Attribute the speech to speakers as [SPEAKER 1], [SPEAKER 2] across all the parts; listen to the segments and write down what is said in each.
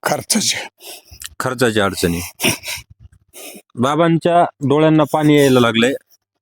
[SPEAKER 1] खर्चाची अडचणी. बाबांच्या डोळ्यांना पाणी यायला लागलंय.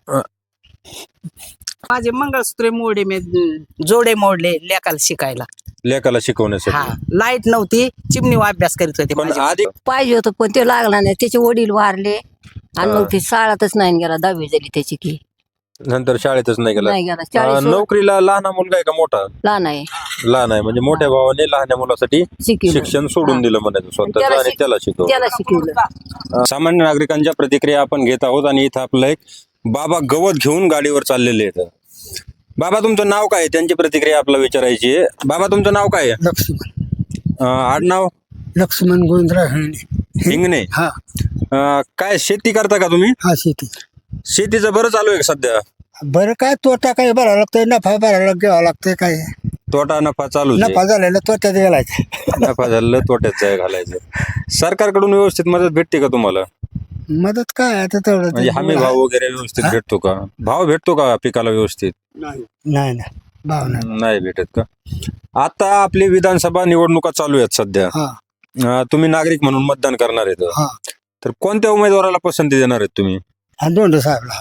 [SPEAKER 2] माझे मंगळसूत्रे मोडे मी जोडे मोडले लेकाला शिकायला.
[SPEAKER 1] लेकाला शिकवण्यासाठी.
[SPEAKER 2] हा, लाईट नव्हती, चिमणीवर अभ्यास करीत होते
[SPEAKER 1] पण
[SPEAKER 2] माझे.
[SPEAKER 1] आधी
[SPEAKER 3] पाहिजे होतं पण ते लागला नाही. त्याचे वडील वारले आणि मग ते शाळातच नाही गेला. 10वी झाली त्याची की
[SPEAKER 1] नंतर शाळेतच नाही गेला.
[SPEAKER 3] नाही गेला. 40
[SPEAKER 1] नोकरीला लहान मुलगा आहे का मोठा?
[SPEAKER 3] लहान आहे.
[SPEAKER 1] लहान आहे म्हणजे मोठ्या भावाने लहान मुलासाठी
[SPEAKER 3] शिकवलं.
[SPEAKER 1] शिक्षण सोडून दिलं म्हणायचं स्वतःच आणि त्याला शिकवलं.
[SPEAKER 3] त्याला शिकवलं.
[SPEAKER 1] सामान्य नागरिकांच्या प्रतिक्रिया आपण घेत आहोत आणि इथं आपलं एक बाबा गवत घेऊन गाडीवर चाललेले आहेत. बाबा तुमचं नाव काय? त्यांची प्रतिक्रिया आपल्याला विचारायची आहे. बाबा तुमचं नाव काय आहे?
[SPEAKER 4] लक्ष्मण
[SPEAKER 1] आडनाव?
[SPEAKER 4] लक्ष्मण गोविंदराव
[SPEAKER 1] हिंगणे.
[SPEAKER 4] हा
[SPEAKER 1] काय शेती करता का तुम्ही?
[SPEAKER 4] हा शेती.
[SPEAKER 1] शेतीचं बरं चालू आहे का सध्या?
[SPEAKER 4] बरं काय तोटा काय भरावा लागतोय, नफा भरायला घ्यावा लागतोय. काय
[SPEAKER 1] तोटा नफा चालू
[SPEAKER 4] नफा झालेला तोट्यात गेलायचं.
[SPEAKER 1] नफा झालं तोट्यात जाय घालायचं. सरकारकडून व्यवस्थित मदत भेटते का तुम्हाला?
[SPEAKER 4] मदत काय आता तेवढं
[SPEAKER 1] म्हणजे हमी भाव वगैरे व्यवस्थित भेटतो का? भाव भेटतो का पिकाला व्यवस्थित?
[SPEAKER 4] नाही नाही भाव नाही.
[SPEAKER 1] नाही भेटत का? आता आपली विधानसभा निवडणुका चालू आहेत सध्या.
[SPEAKER 4] हा
[SPEAKER 1] तुम्ही नागरिक म्हणून मतदान करणार आहेत.
[SPEAKER 4] हा
[SPEAKER 1] तर कोणत्या उमेदवाराला पसंती देणार आहेत तुम्ही?
[SPEAKER 4] हा दोंडे साहेबला.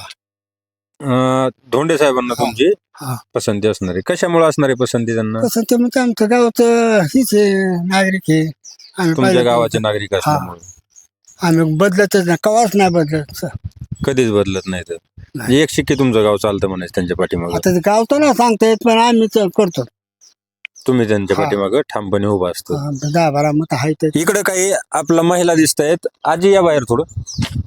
[SPEAKER 1] धोंडे साहेबांना तुमची
[SPEAKER 4] हा
[SPEAKER 1] पसंती असणार आहे. कशामुळे असणार आहे पसंती त्यांना?
[SPEAKER 4] कसं ते म्हणजे आमचं गावचं हीच आहे, नागरिक आहे आम्ही.
[SPEAKER 1] तुमच्या
[SPEAKER 4] पहिलं
[SPEAKER 1] गावाचे नागरिक असल्यामुळे
[SPEAKER 4] आम्ही बदलतच नाही, कवाच नाही बदलत.
[SPEAKER 1] कधीच बदलत नाही. तर एक शिक्के तुमचं गाव चालतं म्हणायचं त्यांच्या पाठीमागं.
[SPEAKER 4] आता ते गाव तर नाही सांगता येत पण आम्ही करतो.
[SPEAKER 1] तुम्ही त्यांच्या पाठीमागं ठामपणे उभा असतो.
[SPEAKER 4] 10-12 मत आहे.
[SPEAKER 1] इकडे काही आपल्या महिला दिसत आहेत. आजी या बाहेर थोडं.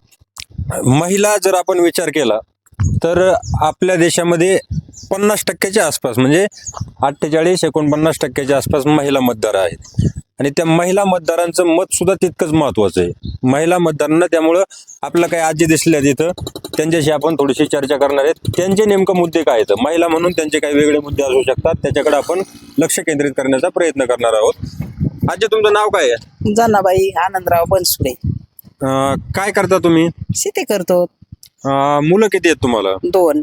[SPEAKER 1] महिला जर आपण विचार केला तर आपल्या देशामध्ये 50% आसपास म्हणजे 48-49% आसपास महिला मतदार आहेत आणि त्या महिला मतदारांचं मत सुद्धा तितकंच महत्वाचं आहे. महिला मतदारांना त्यामुळं आपल्या काही आजी दिसल्या तिथं त्यांच्याशी आपण थोडीशी चर्चा करणार आहेत. त्यांचे नेमकं मुद्दे काय आहेत, महिला म्हणून त्यांचे काही वेगळे मुद्दे असू शकतात, त्याच्याकडे आपण लक्ष केंद्रित करण्याचा प्रयत्न करणार आहोत. आजी तुमचं नाव काय आहे?
[SPEAKER 2] जनाबाई आनंदराव बनसुडे.
[SPEAKER 1] काय करता तुम्ही?
[SPEAKER 2] शेती करतो.
[SPEAKER 1] मुलं किती आहेत तुम्हाला?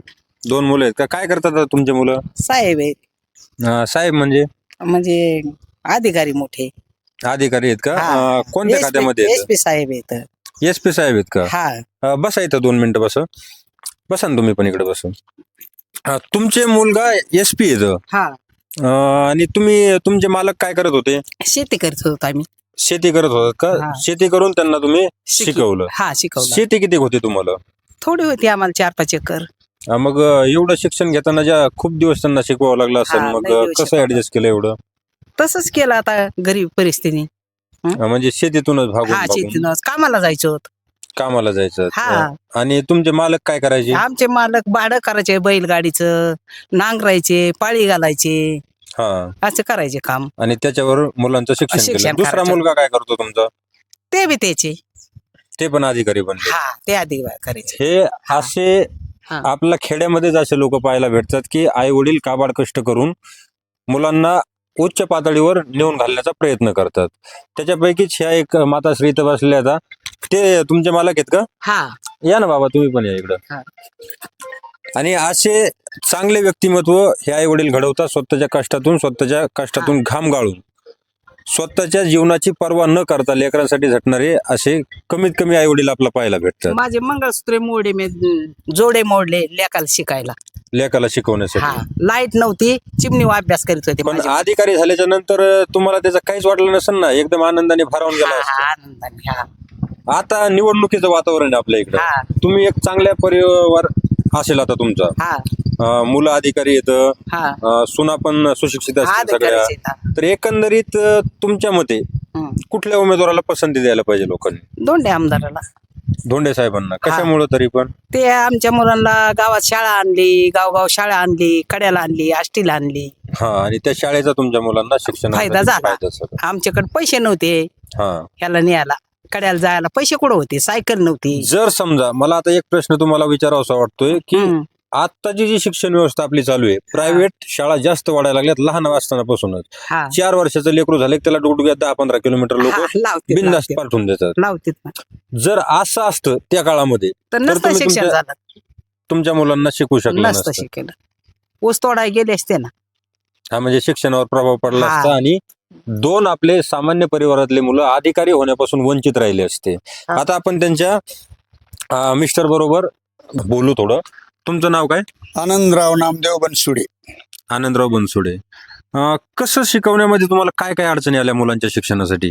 [SPEAKER 2] 2
[SPEAKER 1] मुलं आहेत का? काय करतात तुमचे मुलं?
[SPEAKER 2] साहेब आहेत,
[SPEAKER 1] साहेब म्हणजे
[SPEAKER 2] अधिकारी मोठे
[SPEAKER 1] अधिकारी आहेत का?
[SPEAKER 2] हा.
[SPEAKER 1] कोणत्या खात्यामध्ये आहेत?
[SPEAKER 2] SP साहेब आहेत.
[SPEAKER 1] SP साहेब आहेत का?
[SPEAKER 2] हा
[SPEAKER 1] बसा इथं 2 मिनिटं बसा ना तुम्ही पण इकडे बसून. तुमचे मुलगा SP आहेत
[SPEAKER 2] हा
[SPEAKER 1] आणि तुमचे मालक काय करत होते?
[SPEAKER 2] शेती करत होतो आम्ही.
[SPEAKER 1] शेती करत होतात का?
[SPEAKER 2] हा.
[SPEAKER 1] शेती करून त्यांना तुम्ही शिकवलं.
[SPEAKER 2] हा शिकवलं.
[SPEAKER 1] शेती किती होती तुम्हाला?
[SPEAKER 2] थोडी होती आम्हाला 4-5 एकर.
[SPEAKER 1] मग एवढं शिक्षण घेताना ज्या खूप दिवस त्यांना शिकवावं लागलं असेल,
[SPEAKER 2] हा,
[SPEAKER 1] मग
[SPEAKER 2] लय दिवस
[SPEAKER 1] कसं
[SPEAKER 2] शिकवलं.
[SPEAKER 1] ऍडजस्ट केलं एवढं?
[SPEAKER 2] तसंच केलं आता गरीब परिस्थिती.
[SPEAKER 1] म्हणजे शेतीतूनच
[SPEAKER 2] हा
[SPEAKER 1] भागून
[SPEAKER 2] शेतीनं कामाला जायचो होत.
[SPEAKER 1] कामाला जायचं.
[SPEAKER 2] हा.
[SPEAKER 1] आणि तुमचे मालक काय करायचे?
[SPEAKER 2] आमचे मालक भाडं करायचे, बैलगाडीचं नांगरायचे, पाळी घालायचे,
[SPEAKER 1] हा
[SPEAKER 2] असं करायचे काम.
[SPEAKER 1] आणि त्याच्यावर मुलांचं शिक्षण
[SPEAKER 2] शिक्षण
[SPEAKER 1] केलं. दुसरा
[SPEAKER 2] करायचं.
[SPEAKER 1] मुलगा काय करतो तुमचा?
[SPEAKER 2] ते बी त्याचे.
[SPEAKER 1] ते पण अधिकारी बनले.
[SPEAKER 2] हा ते आधी करायचे.
[SPEAKER 1] हे असे
[SPEAKER 2] हा.
[SPEAKER 1] आपल्या खेड्यामध्येच असे लोक पाहायला भेटतात की आई वडील काबाड कष्ट करून मुलांना उच्च पातळीवर नेऊन घालण्याचा प्रयत्न करतात. त्याच्यापैकीच ह्या एक माताश्री इथं बसल्या आता. ते तुमचे मालक आहेत का?
[SPEAKER 2] हा
[SPEAKER 1] या ना बाबा तुम्ही पण या इकडं.
[SPEAKER 2] हा.
[SPEAKER 1] आणि असे चांगले व्यक्तिमत्व हे आई वडील घडवतात. स्वतःच्या कष्टातून घाम गाळून स्वतःच्या जीवनाची पर्वा न करता लेकरांसाठी झटणारे असे कमीत कमी आई वडील आपल्याला पाहायला भेटतात.
[SPEAKER 2] माझे मंगळसूत्रे मोडे मी जोडे मोडले लेकाला शिकायला.
[SPEAKER 1] लेकाला शिकवण्यासाठी.
[SPEAKER 2] हा, लाईट नव्हती, चिमणीवर अभ्यास करीत होते
[SPEAKER 1] पण
[SPEAKER 2] माझे.
[SPEAKER 1] अधिकारी झाल्याच्या नंतर तुम्हाला त्याचं काहीच वाटलं नसेल ना? एकदम आनंदाने भारावून गेला
[SPEAKER 2] हा,
[SPEAKER 1] असता.
[SPEAKER 2] हा, आनंदाने. हा.
[SPEAKER 1] आता निवडणुकीचं वातावरण आहे आपल्या इकडे.
[SPEAKER 2] हा.
[SPEAKER 1] तुम्ही एक चांगल्या परिवार असेल आता तुमचा.
[SPEAKER 2] हा
[SPEAKER 1] मुलं अधिकारी येतं,
[SPEAKER 2] हा
[SPEAKER 1] सुना पण सुशिक्षित असतील सगळ्या.
[SPEAKER 2] अधिकारीच आहेत.
[SPEAKER 1] तर एकंदरीत तुमच्या मते
[SPEAKER 2] हं.
[SPEAKER 1] कुठल्या उमेदवाराला पसंती द्यायला पाहिजे लोकांनी?
[SPEAKER 2] दोंडे आमदाराला.
[SPEAKER 1] धोंडे साहेबांना. कशामुळे तरी पण?
[SPEAKER 2] ते आमच्या मुलांना गावात शाळा आणली, गावगाव शाळा आणली, कड्याला आणली, आष्टीला आणली.
[SPEAKER 1] हा आणि त्या शाळेचा तुमच्या मुलांना शिक्षणाचा
[SPEAKER 2] फायदा झाला.
[SPEAKER 1] झाला.
[SPEAKER 2] आमच्याकडे पैसे नव्हते
[SPEAKER 1] हा.
[SPEAKER 2] ह्याला न्यायला, कड्याला जायला पैसे कुठं होते, सायकल नव्हती.
[SPEAKER 1] जर समजा मला आता एक प्रश्न तुम्हाला विचारावासा वाटतोय की
[SPEAKER 2] हं.
[SPEAKER 1] आत्ताची जी शिक्षण व्यवस्था आपली चालू आहे, प्रायव्हेट शाळा जास्त वाढायला लागल्यात लहान असतानापासूनच.
[SPEAKER 2] हा
[SPEAKER 1] 4 वर्षाचं लेकरू झालं की त्याला डुगडुग्यात 10-15 किलोमीटर लोक
[SPEAKER 2] हा, लावतील,
[SPEAKER 1] बिनधास्त
[SPEAKER 2] लावतील.
[SPEAKER 1] पाठवून देतात.
[SPEAKER 2] लावतीत ना.
[SPEAKER 1] जर असं असतं त्या काळामध्ये
[SPEAKER 2] तर
[SPEAKER 1] तर
[SPEAKER 2] नसतं
[SPEAKER 1] तुम्ही
[SPEAKER 2] शिक्षण
[SPEAKER 1] तुमच्या
[SPEAKER 2] झालं,
[SPEAKER 1] तुमच्या मुलांना शिकू शकला
[SPEAKER 2] नसतं
[SPEAKER 1] नसतं.
[SPEAKER 2] शिकेलं. ऊस तोडाय गेले असते ना.
[SPEAKER 1] हा म्हणजे शिक्षणावर प्रभाव पडला
[SPEAKER 2] हा.
[SPEAKER 1] असता आणि दोन आपले सामान्य परिवारातले मुलं अधिकारी होण्यापासून वंचित राहिले असते. आता आपण त्यांच्या मिस्टर बरोबर बोलू थोडं. तुमचं नाव काय?
[SPEAKER 4] आनंदराव नामदेव बनसुडे.
[SPEAKER 1] आनंदराव बनसोडे. कसं शिकवण्यामध्ये तुम्हाला काय काय अडचणी आल्या मुलांच्या शिक्षणासाठी?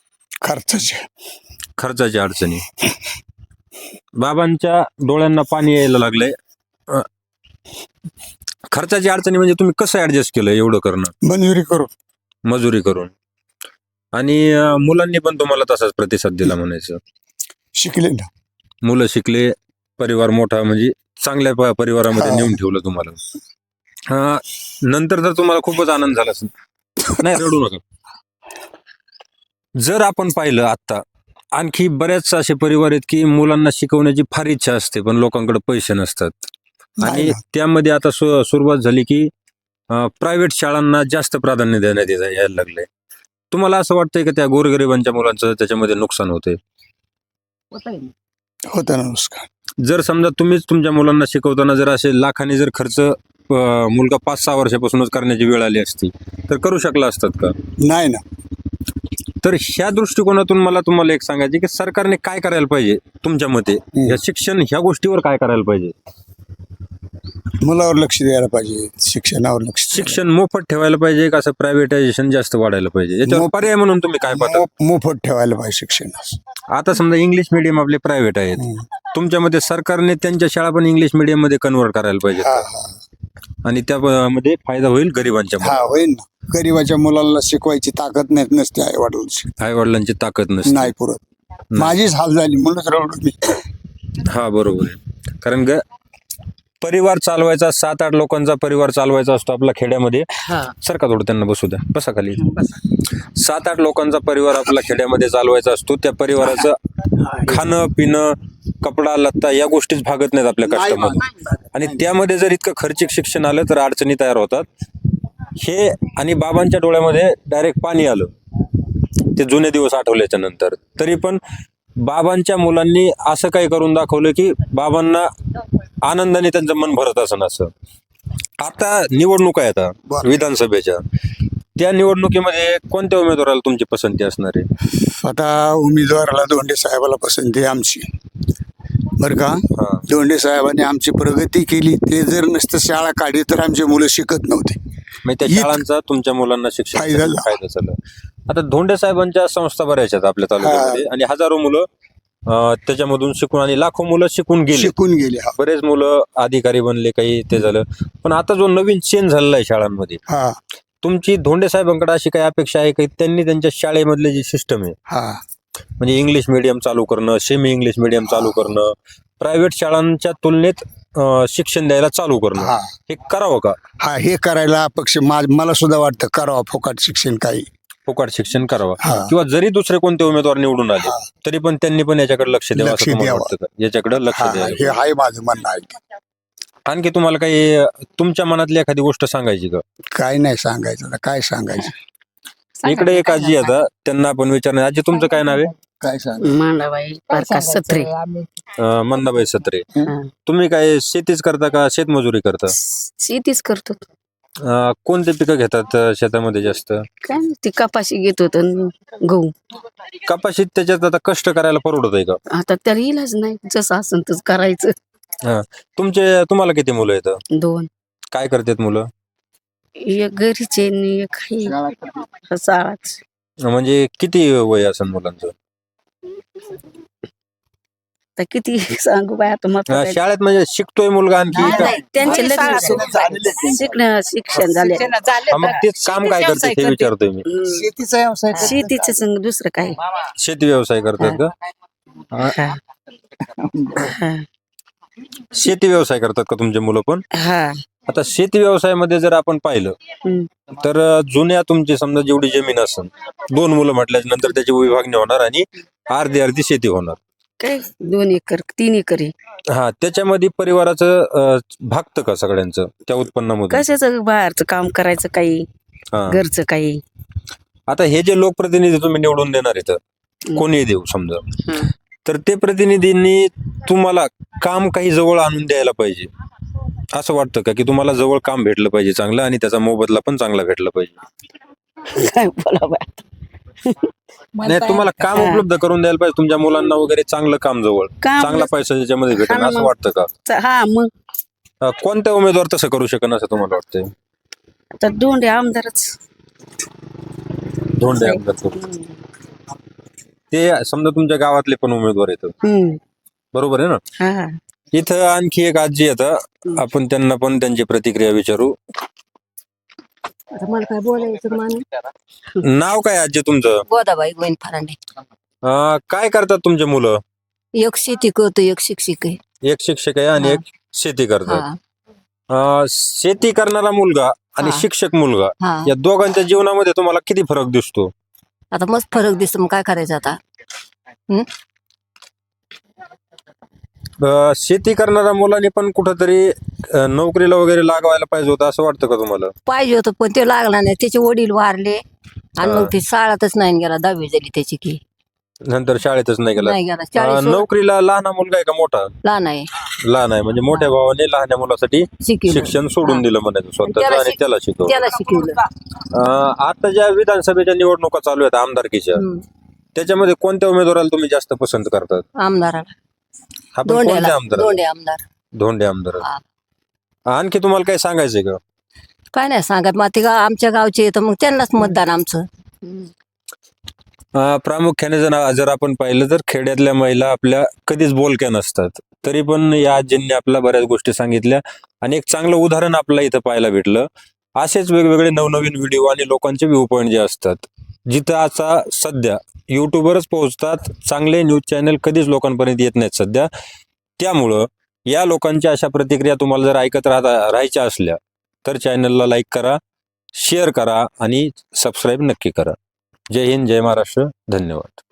[SPEAKER 1] खर्चाच्या अडचणी. बाबांच्या डोळ्यांना पाणी यायला लागलंय. खर्चाची अडचणी म्हणजे तुम्ही कसं ऍडजस्ट केलं एवढं करणं?
[SPEAKER 4] बनविरी करू.
[SPEAKER 1] मजुरी करून. आणि मुलांनी पण तुम्हाला तसाच प्रतिसाद दिला म्हणायचं.
[SPEAKER 4] शिकले ना.
[SPEAKER 1] मुलं शिकले, परिवार मोठा म्हणजे चांगल्या परिवारामध्ये नेऊन ठेवलं तुम्हाला. नंतर तर तुम्हाला खूपच आनंद झाला असेल. नाही, रडू नका. जर आपण पाहिलं आता आणखी बऱ्याच असे परिवार आहेत की मुलांना शिकवण्याची फार इच्छा असते पण लोकांकडे पैसे नसतात. आणि
[SPEAKER 4] नाही ना.
[SPEAKER 1] त्यामध्ये आता सुरुवात झाली की प्रायव्हेट शाळांना जास्त प्राधान्य देण्यात यायला लागलंय. तुम्हाला असं वाटतंय की त्या गोरगरिबांच्या मुलांचं त्याच्यामध्ये नुकसान होतंय?
[SPEAKER 4] होतं ना नुकसान.
[SPEAKER 1] जर समजा तुम्हीच तुमच्या मुलांना शिकवताना जर असे लाखांनी जर खर्च मुलगा 5-6 वर्षापासूनच करण्याची वेळ आली असती तर करू शकला असतात का?
[SPEAKER 4] नाही ना.
[SPEAKER 1] तर ह्या दृष्टिकोनातून मला तुम्हाला एक सांगायचे की सरकारने काय करायला पाहिजे तुमच्या मते? या शिक्षण ह्या गोष्टीवर काय करायला पाहिजे?
[SPEAKER 4] मुलावर लक्ष द्यायला पाहिजे. शिक्षणावर लक्ष
[SPEAKER 1] शिक्षण मोफत ठेवायला पाहिजे का असं प्रायव्हेटायझेशन जास्त वाढायला पाहिजे? याच्यावर पर्याय म्हणून तुम्ही काय पाहता?
[SPEAKER 4] मोफत ठेवायला पाहिजे शिक्षणास.
[SPEAKER 1] आता समजा इंग्लिश मिडियम आपले प्रायव्हेट आहेत, तुमच्या मते सरकारने त्यांच्या शाळा पण इंग्लिश मिडियम मध्ये कन्व्हर्ट करायला पाहिजे आणि त्यामध्ये फायदा होईल गरिबांच्या
[SPEAKER 4] होईल ना. गरीबाच्या मुलाला शिकवायची ताकद नसते आई वडिलांची.
[SPEAKER 1] आई वडिलांची ताकद नसते.
[SPEAKER 4] नाही पुरत. माझीच हाल झाली म्हणूनच रडलो मी.
[SPEAKER 1] हा, बरोबर आहे. कारण परिवार चालवायचा 7-8 लोकांचा परिवार चालवायचा असतो आपला खेड्यामध्ये. सरका थोडं त्यांना बसू द्या, बसा खाली. 7-8 लोकांचा परिवार आपला खेड्यामध्ये चालवायचा असतो. त्या परिवाराचं खाणं पिणं कपडा लत्ता या गोष्टीच भागत नाहीत आपल्या कष्टामध्ये. आणि त्यामध्ये जर इतकं खर्चिक शिक्षण आलं तर अडचणी तयार होतात. हे आणि बाबांच्या डोळ्यामध्ये डायरेक्ट पाणी आलं ते जुने दिवस आठवल्याच्या नंतर. तरी पण बाबांच्या मुलांनी असं काही करून दाखवलं की बाबांना आनंदाने त्यांचं मन भरत असं असं. आता निवडणुका आहेत विधानसभेच्या. त्या निवडणुकीमध्ये कोणत्या उमेदवाराला तुमची पसंती असणार आहे?
[SPEAKER 4] आता उमेदवाराला धोंडे साहेबाला पसंती आहे आमची. बरं का. धोंडे साहेबांनी आमची प्रगती केली. ते जर नसतं शाळा काढली तर आमची मुलं शिकत नव्हते.
[SPEAKER 1] त्या शाळांचा तुमच्या मुलांना शिक्षण फायदा झाला. आता धोंडे साहेबांच्या संस्था बऱ्याच आहेत आपल्या तालुक्यामध्ये आणि हजारो मुलं त्याच्यामधून शिकून आणि लाखो मुलं शिकून गेले. बरेच मुलं अधिकारी बनले, काही ते झालं. पण आता जो नवीन चेंज झालेला आहे शाळांमध्ये, तुमची धोंडे साहेबांकडे अशी काही अपेक्षा आहे की त्यांनी त्यांच्या शाळेमधले जी सिस्टम आहे म्हणजे इंग्लिश मिडियम चालू करणं, सेमी इंग्लिश मिडियम चालू करणं, प्रायव्हेट शाळांच्या तुलनेत शिक्षण द्यायला चालू करणं, हे करावं का?
[SPEAKER 4] हे करायला अपेक्षा मला सुद्धा वाटतं करावं. फुकट शिक्षण करावं.
[SPEAKER 1] किंवा जरी दुसरे कोणते उमेदवार निवडून आले तरी पण त्यांनी पण याच्याकडे लक्ष द्यावं असं तुम्हाला वाटतं का? याच्याकडे लक्ष द्यावं
[SPEAKER 4] हे आहे माझं म्हणणं आहे.
[SPEAKER 1] आणखी तुम्हाला काही तुमच्या मनातली एखादी गोष्ट सांगायची का?
[SPEAKER 4] काय नाही सांगायचं. काय सांगायचं?
[SPEAKER 1] इकडे एक आजी आता, त्यांना आपण विचारणार. आजी, तुमचं काय नाव आहे?
[SPEAKER 4] काय सांग?
[SPEAKER 2] मांडाबाई प्रकाश सत्रे.
[SPEAKER 1] मंदाबाई सत्रे. तुम्ही काय शेतीच करता का शेतमजुरी करता?
[SPEAKER 2] शेतीच करतो.
[SPEAKER 1] कोणते पिकं घेतात शेतामध्ये जास्त?
[SPEAKER 2] काय ती कपाशी घेत होत, गहू.
[SPEAKER 1] कपाशीत त्याच्यात आता कष्ट करायला परवडत आहे का?
[SPEAKER 2] आता त्याला इलाज नाही, जसं असं तसं करायचं.
[SPEAKER 1] तुम्हाला किती मुलं आहेत?
[SPEAKER 2] 2.
[SPEAKER 1] काय करतात मुलं?
[SPEAKER 2] एक घरीचे आणि एक शाळाच.
[SPEAKER 1] म्हणजे किती वय असेल मुलांचं?
[SPEAKER 2] तर किती सांगू बाय आता.
[SPEAKER 1] शाळेत म्हणजे शिकतोय मुलगा आणखी?
[SPEAKER 2] त्यांचे शिक्षण झाले.
[SPEAKER 1] मग तेच काम काय करते ते विचारतोय मी.
[SPEAKER 4] शेतीचा व्यवसाय.
[SPEAKER 2] शेतीच दुसरं काय?
[SPEAKER 1] शेती व्यवसाय करतात का? शेती व्यवसाय करतात का तुमचे मुलं पण? आता शेती व्यवसायामध्ये जर आपण पाहिलं तर जुन्या तुमची समजा जेवढी जमीन असेल, 2 मुलं म्हटल्याच्या नंतर त्याची विभागणी होणार आणि अर्धी शेती होणार.
[SPEAKER 2] काय 2 एकर 3 एकर आहे.
[SPEAKER 1] त्याच्यामध्ये परिवाराचं भागतं का सगळ्यांचं त्या उत्पन्नामध्ये?
[SPEAKER 2] कशाचं बाहेरचं काम करायचं काही, घरचं काही.
[SPEAKER 1] आता हे जे लोकप्रतिनिधी तुम्ही निवडून देणार आहेत, कोणी देऊ समजा, तर ते प्रतिनिधींनी तुम्हाला काम काही जवळ आणून द्यायला पाहिजे असं वाटतं का? की तुम्हाला जवळ काम भेटलं पाहिजे चांगलं आणि त्याचा मोबदला पण चांगला भेटला पाहिजे?
[SPEAKER 2] काय बोला बाय
[SPEAKER 1] नाही तुम्हाला काम उपलब्ध करून द्यायला पाहिजे तुमच्या मुलांना वगैरे चांगलं काम जवळ
[SPEAKER 2] काम
[SPEAKER 1] चांगला पैसा त्याच्यामध्ये भेटेल
[SPEAKER 2] हा ना
[SPEAKER 1] असं
[SPEAKER 2] मग.
[SPEAKER 1] वाटतं का
[SPEAKER 2] हा मग
[SPEAKER 1] कोणत्या उमेदवार तसं करू शकन असं तुम्हाला वाटतंय
[SPEAKER 2] आता दोंडे आमदारच
[SPEAKER 1] धोंडे आमदार करू. ते समजा तुमच्या गावातले पण उमेदवार येतात बरोबर आहे ना
[SPEAKER 2] हा
[SPEAKER 1] इथं आणखी एक आजी येतात आपण त्यांना पण त्यांची प्रतिक्रिया विचारू
[SPEAKER 3] आता मला काय बोलायचं माणूस
[SPEAKER 1] नाव काय आजी तुमचं
[SPEAKER 3] गोदाबाई गोविंद फरांडे.
[SPEAKER 1] काय करतात तुमचे मुलं
[SPEAKER 3] एक शेती करतो एक शिक्षक आहे.
[SPEAKER 1] एक शिक्षक आहे आणि
[SPEAKER 3] हा.
[SPEAKER 1] एक शेती करतात
[SPEAKER 3] हा
[SPEAKER 1] शेती करणारा मुलगा आणि
[SPEAKER 3] हा.
[SPEAKER 1] शिक्षक मुलगा
[SPEAKER 3] हा
[SPEAKER 1] या दोघांच्या जीवनामध्ये तुम्हाला किती फरक दिसतो
[SPEAKER 3] आता मस्त फरक दिसतो मग काय करायचं आता.
[SPEAKER 1] शेती करणाऱ्या मुलांनी पण कुठंतरी नोकरीला वगैरे लागवायला पाहिजे होतं असं वाटतं का तुम्हाला
[SPEAKER 3] पाहिजे होतं पण ते लागला नाही त्याचे वडील वारले आणि
[SPEAKER 1] हा.
[SPEAKER 3] मग ते शाळातच नाही गेला 10वी झाली त्याची की
[SPEAKER 1] नंतर शाळेतच नाही गेला
[SPEAKER 3] नाही गेला 40
[SPEAKER 1] नोकरीला लहान मुलगा आहे का मोठा
[SPEAKER 3] लहान आहे
[SPEAKER 1] लहान आहे म्हणजे मोठ्या भावाने लहान मुलासाठी
[SPEAKER 3] शिकवलं.
[SPEAKER 1] शिक्षण सोडून दिलं म्हणायचं स्वतःच
[SPEAKER 3] त्याला
[SPEAKER 1] आणि
[SPEAKER 3] शिक-
[SPEAKER 1] त्याला शिकवलं
[SPEAKER 3] त्याला शिकवलं.
[SPEAKER 1] आता ज्या विधानसभेच्या निवडणुका चालू आहेत आमदारकीच्या त्याच्यामध्ये कोणत्या उमेदवाराला तुम्ही जास्त पसंत करतात
[SPEAKER 3] आमदाराला
[SPEAKER 1] आपण कोणत्या
[SPEAKER 3] दोंड्याला
[SPEAKER 1] आमदार
[SPEAKER 3] दोंडे आमदार.
[SPEAKER 1] धोंडे आमदार
[SPEAKER 3] हा.
[SPEAKER 1] आणखी तुम्हाला काय सांगायचंय का
[SPEAKER 3] काय नाही सांगत मग ते आमच्या गावचे येतं मग त्यांनाच मतदान आमचं.
[SPEAKER 1] प्रामुख्याने जर आपण पाहिलं तर खेड्यातल्या महिला आपल्या कधीच बोलक्या नसतात तरी पण या आजींनी आपल्या बऱ्याच गोष्टी सांगितल्या आणि एक चांगलं उदाहरण आपल्याला इथं पाहायला भेटलं असेच वेगवेगळे नवनवीन व्हिडिओ आणि लोकांचे व्ह्यू पॉईंट जे असतात जिथं आता सध्या युट्यूबवरच पोहोचतात चांगले न्यूज चॅनल कधीच लोकांपर्यंत येत नाहीत सध्या त्यामुळं या लोकांच्या अशा प्रतिक्रिया तुम्हाला जर ऐकत राहायच्या असल्या तर चॅनलला लाईक करा शेअर करा आणि सबस्क्राईब नक्की करा जय हिंद जय महाराष्ट्र धन्यवाद